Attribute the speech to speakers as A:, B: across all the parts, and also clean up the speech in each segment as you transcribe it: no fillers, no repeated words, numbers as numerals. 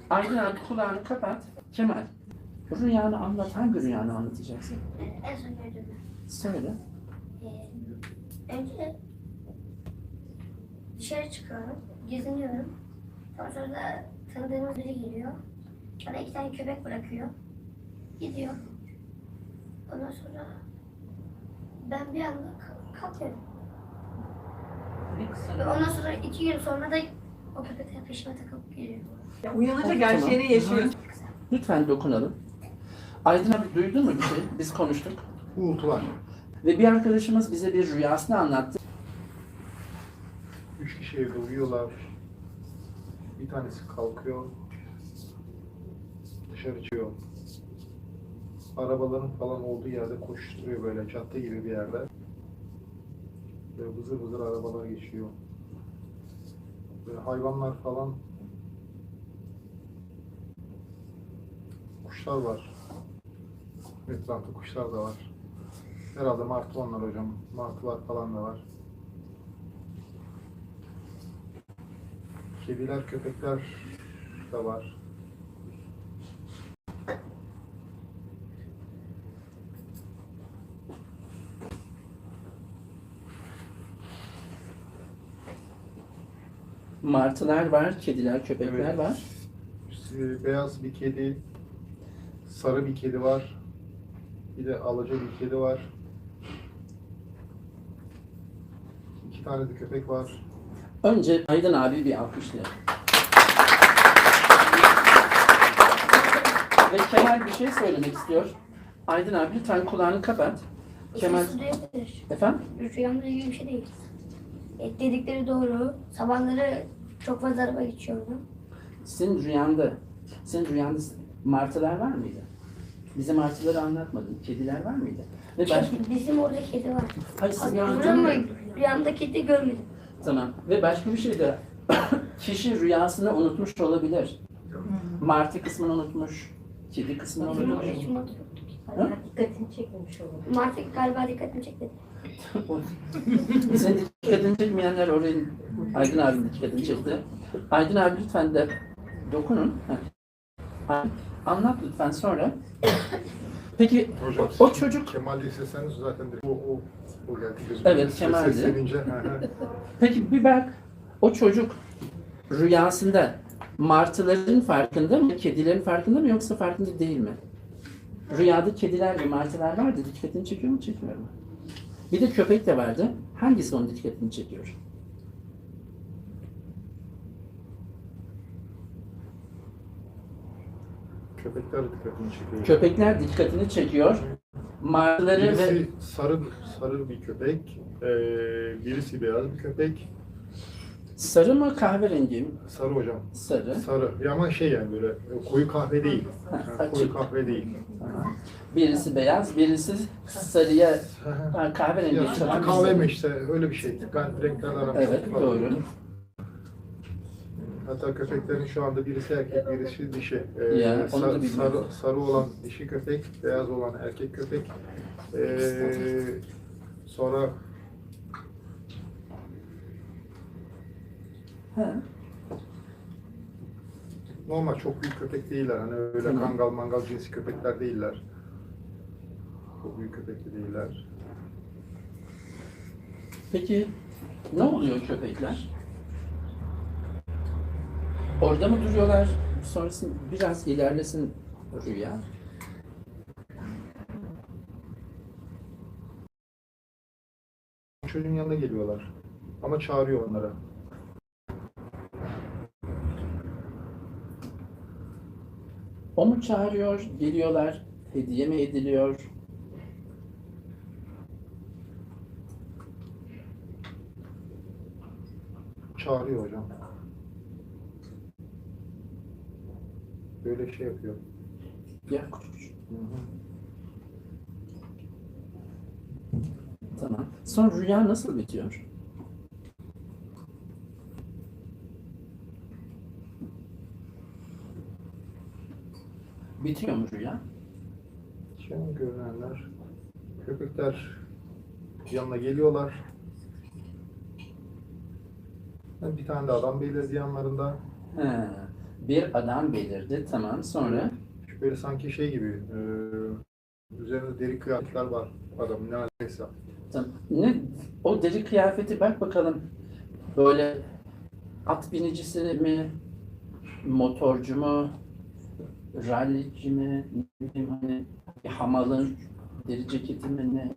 A: Aydın abi kulağını kapat. Kemal, rüyanı anlat. Hangi rüyanı anlatacaksın?
B: En son gördüğümü.
A: Söyle.
B: Önce dışarı çıkıyorum, geziniyorum. Sonra da tanıdığımız biri geliyor. Bana 2 tane köpek bırakıyor. Gidiyor. Ondan sonra ben bir anda kalkıyorum. Ve ondan sonra 2 gün sonra da o köpekler peşime takılıp geliyor.
C: Uyanınca gerçeğini yaşıyor.
A: Lütfen dokunalım. Aydın abi duydun mu bir şey? Biz konuştuk.
D: Uğultular.
A: Ve bir arkadaşımız bize bir rüyasını anlattı.
D: 3 kişi evde uyuyorlar. Bir tanesi kalkıyor. Dışarı çıkıyor. Arabaların falan olduğu yerde koşturuyor böyle cadde gibi bir yerde. Böyle vızır vızır arabalar geçiyor. Böyle hayvanlar falan. Kuşlar var. Etrafta kuşlar da var. Herhalde martı onlar hocam. Martılar falan da var. Kediler, köpekler de var.
A: Martılar var, kediler, köpekler
D: Evet.
A: var.
D: Beyaz bir kedi, sarı bir kedi var. Bir de alaca bir kedi var. 2 tane de köpek var.
A: Önce Aydın abi bir alkışlayalım. Ve Kemal bir şey söylemek istiyor. Aydın abi lütfen kulağını kapat. Kemal,
B: Sesi duyabilir.
A: efendim?
B: Rüyamda ilgili bir şey değil. Dedikleri doğru. Sabahları çok fazla araba geçiyordu.
A: Senin rüyanda martılar var mıydı? Bize martıları anlatmadın. Kediler var mıydı? Ve başka...
B: Bizim orada kedi var.
A: Hayır, siz
B: Ama
A: gördün mü?
B: rüyamda kedi görmedim.
A: Tamam. Ve başka bir şey de kişi rüyasını unutmuş olabilir. Martı kısmını unutmuş, kedi kısmını unutmuş.
B: Hiç unutmadım.
C: Dikkatini çekmemiş olur.
B: Martı galiba dikkatimi çekti.
A: Senin dikkatini çekmeyenler orayı Aydın abinin dikkatini çekti. Aydın abi lütfen de dokunun. Heh. Anlat lütfen sonra. Peki
D: Hocam,
A: o çocuk...
D: Kemal diye sesleniz zaten direkt o geldi gözüme.
A: Evet, Kemal'di.
D: Seslenince.
A: Peki bir bak, o çocuk rüyasında martıların farkında mı, kedilerin farkında mı yoksa farkında değil mi? Rüyada kediler ve martılar vardı, dikkatini çekiyor mu, çekmiyor mu? Bir de köpek de vardı. Hangisi onun dikkatini çekiyor?
D: Köpekler dikkatini çekiyor.
A: Köpekler dikkatini çekiyor. Martıları ve...
D: Birisi sarı bir köpek, birisi beyaz bir köpek.
A: Sarı mı, kahverengi mi?
D: Sarı hocam.
A: Sarı.
D: Sarı. Ya ama şey yani böyle koyu kahve değil. Yani koyu
A: açık.
D: kahve değil.
A: Tamam. Birisi beyaz, birisi sarıya, kahverengi.
D: Ya sütlü kahve mi işte öyle bir şey. Ben renklerden aramıyorum.
A: Evet, doğru.
D: Hatta köpeklerin şu anda birisi erkek, birisi dişi.
A: Ya, onu da bilmiyorum.
D: sarı olan dişi köpek, beyaz olan erkek köpek. Sonra
A: Ha.
D: normal çok büyük köpek değiller. Hani öyle
A: Tamam.
D: mangal cinsi köpekler değiller. Çok büyük köpek de değiller.
A: Peki ne oluyor köpekler? Orada mı duruyorlar? Sonrasında biraz ilerlesin rüya.
D: Çocuğun yanına geliyorlar. Ama çağırıyor onlara.
A: O mu çağırıyor, geliyorlar, hediye mi ediliyor?
D: Çağırıyor hocam. Böyle şey yapıyor.
A: Ya küçük. Tamam. Sonra rüya nasıl bitiyor? Bitiyor mu rüya?
D: Şimdi görünenler, köpekler yanına geliyorlar. Bir tane de adam belirdi yanlarında.
A: He. Bir adam belirdi. Tamam. Sonra
D: Böyle sanki şey gibi, üzerinde deri kıyafetler var adamın ne alakası.
A: tamam. Ne o deri kıyafeti bak bakalım. Böyle at binicisi mi? Motorcu mu? Rallici mi? Ne bileyim hani bir hamalın deri ceketi mi ne?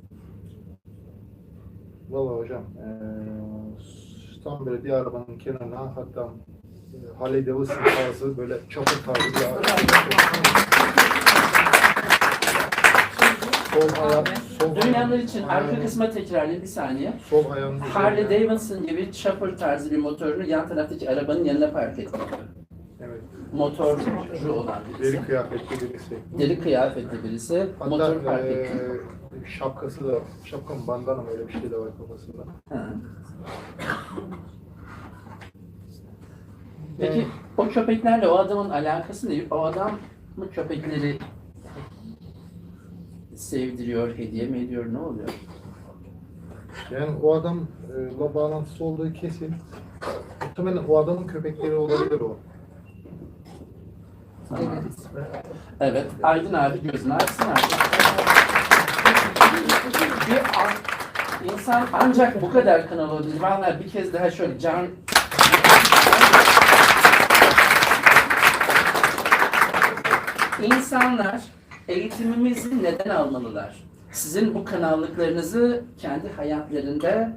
D: Valla hocam, tam böyle bir arabanın kenarına hatta Harley Davidson tarzı böyle çapır tarzı bir araba. Sol ayağı,
A: Dünyalar için arka kısma tekrarlayayım bir saniye.
D: sol ayağının
A: Harley
D: üzerine-
A: Davidson gibi chopper tarzı bir motorunu yan taraftaki arabanın yanına park etmek.
D: Evet,
A: Motorcu olan birisi.
D: deri kıyafetli birisi.
A: Deri kıyafetli birisi. Motor
D: Hatta
A: park etti.
D: şapkası da, şapka mı bandana mı öyle bir şey de var kafasında.
A: Ha. Peki o köpeklerle o adamın alakası ne? O adam mı köpekleri sevdiriyor, hediye mi ediyor, ne oluyor?
D: Yani o adamla bağlantısı olduğu kesin. Muhtemelen o adamın köpekleri olabilir o.
A: Tamam. Evet, Aydın abi gözünü açsın artık. İnsan ancak bu kadar kanal olabilir. Vallahi bir kez daha şöyle can... İnsanlar eğitimimizi neden almalılar? Sizin bu kanallıklarınızı kendi hayatlarında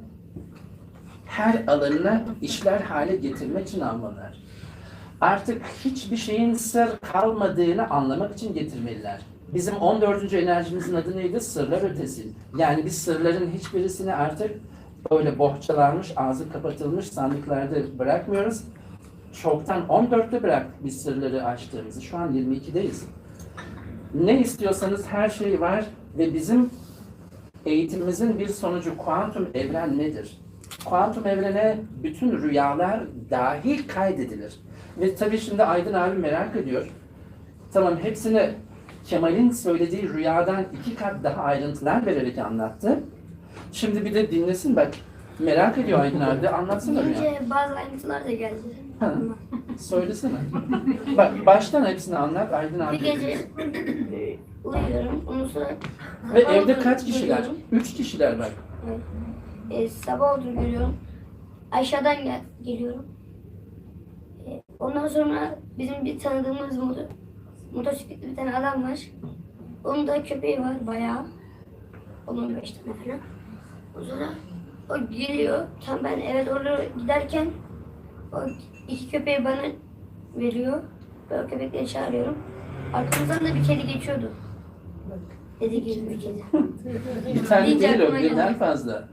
A: her alanına işler hale getirmek için almalılar. Artık hiçbir şeyin sır kalmadığını anlamak için getirmeliler. Bizim 14. enerjimizin adı neydi? Sırlar ötesi. Yani biz sırların hiçbirisini artık öyle bohçalanmış, ağzı kapatılmış sandıklarda bırakmıyoruz. Çoktan 14'te bıraktık biz sırları açtığımızı. Şu an 22'deyiz. Ne istiyorsanız her şey var ve bizim eğitimimizin bir sonucu kuantum evren nedir? Kuantum evrene bütün rüyalar dahil kaydedilir. Ve tabii şimdi Aydın abi merak ediyor. Tamam hepsini Kemal'in söylediği rüyadan 2 kat daha ayrıntılar vererek anlattı. Şimdi bir de dinlesin bak. Merak ediyor Aydın abi de anlatsana rüya.
B: Deyince bazı ayrıntılar da geldi.
A: Ha, söylesene. Bak baştan hepsini anlat Aydın
B: Bir
A: abi.
B: gece uyuyorum. Ondan sonra
A: Ve
B: sabah
A: evde
B: olduğunu
A: kaç kişiler?
B: görüyorum.
A: 3 kişiler bak.
B: Sabah olduğunu görüyorum. Aşağıdan geliyorum. Ondan sonra bizim bir tanıdığımız motosikletli bir tane adam var. Onun da köpeği var bayağı. 10-15 tane falan. O sonra o geliyor. Tam ben eve doğru giderken o 2 köpeği bana veriyor. Ben o köpekleri çağırıyorum. Arkamızdan da bir kedi geçiyordu. Dedi gibi bir kedi.
A: Bir tane
B: Deyince
A: değil o,
B: aklıma
A: birden
B: geldi.
A: fazla.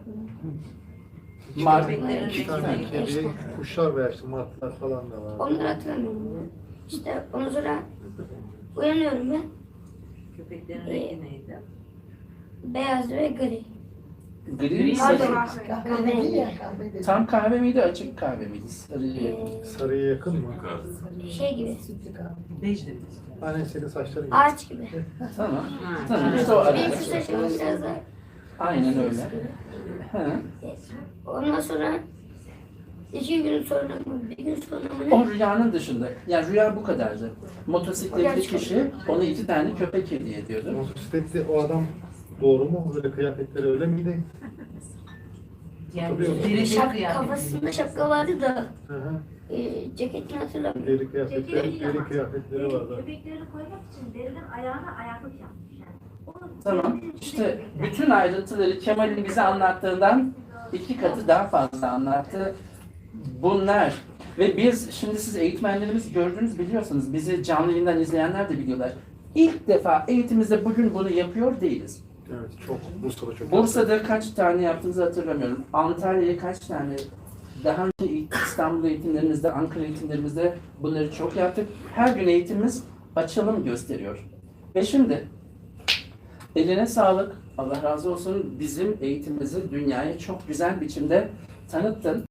A: Mart.
D: İki tane kedi, kuşlar veya işte martılar falan da var.
B: Onları hatırlamıyorum. İşte ondan sonra uyanıyorum ben.
C: Köpeklerin rengi neydi?
B: Beyaz ve gri.
A: Gri
B: Pardon,
A: sarı.
B: kahverengi.
A: Tam kahve miydi, açık kahve miydi? Sarı.
D: Sarıya yakın mı?
B: Şey gibi,
C: Bej de.
D: Aynen senin saçların gibi.
B: ağaç gibi.
A: Tamam. Tamam işte o
B: Benim
A: arada.
B: şu saçım biraz daha.
A: Aynen öyle. Ha.
B: Ondan sonra 2 gün sonra mı, 1 gün sonra mı
A: O
B: ne?
A: rüyanın dışında. Yani rüya bu kadardı. Motosikletli
B: Gerçekten.
A: kişi ona 2 tane köpek hediye ediyordu.
D: Motosikletli o adam doğru mu? Böyle kıyafetleri öyle miydi?
C: Yani
D: Tabii.
C: deri kıyafet.
B: Kafasında şapka vardı da
D: Hı hı.
B: ceketini hatırlamıyorum.
D: Deri kıyafetleri vardı.
E: Köpeklerini koymak için derinin ayağına ayaklık yapmış. Yani.
A: Tamam. İşte bütün ayrıntıları Kemal'in bize anlattığından 2 katı daha fazla anlattı. Bunlar ve biz şimdi siz eğitmenlerimiz gördünüz biliyorsunuz. Bizi canlı yayından izleyenler de biliyorlar. İlk defa eğitimimizde bugün bunu yapıyor değiliz.
D: Evet, çok Bursa'da çok.
A: Bursa'da kaç tane yaptığınızı hatırlamıyorum. Antalya'ya kaç tane, daha önce İstanbul eğitimlerimizde, Ankara eğitimlerimizde bunları çok yaptık. Her gün eğitimimiz açılım gösteriyor. Ve şimdi eline sağlık, Allah razı olsun bizim eğitimimizi dünyaya çok güzel biçimde tanıttın.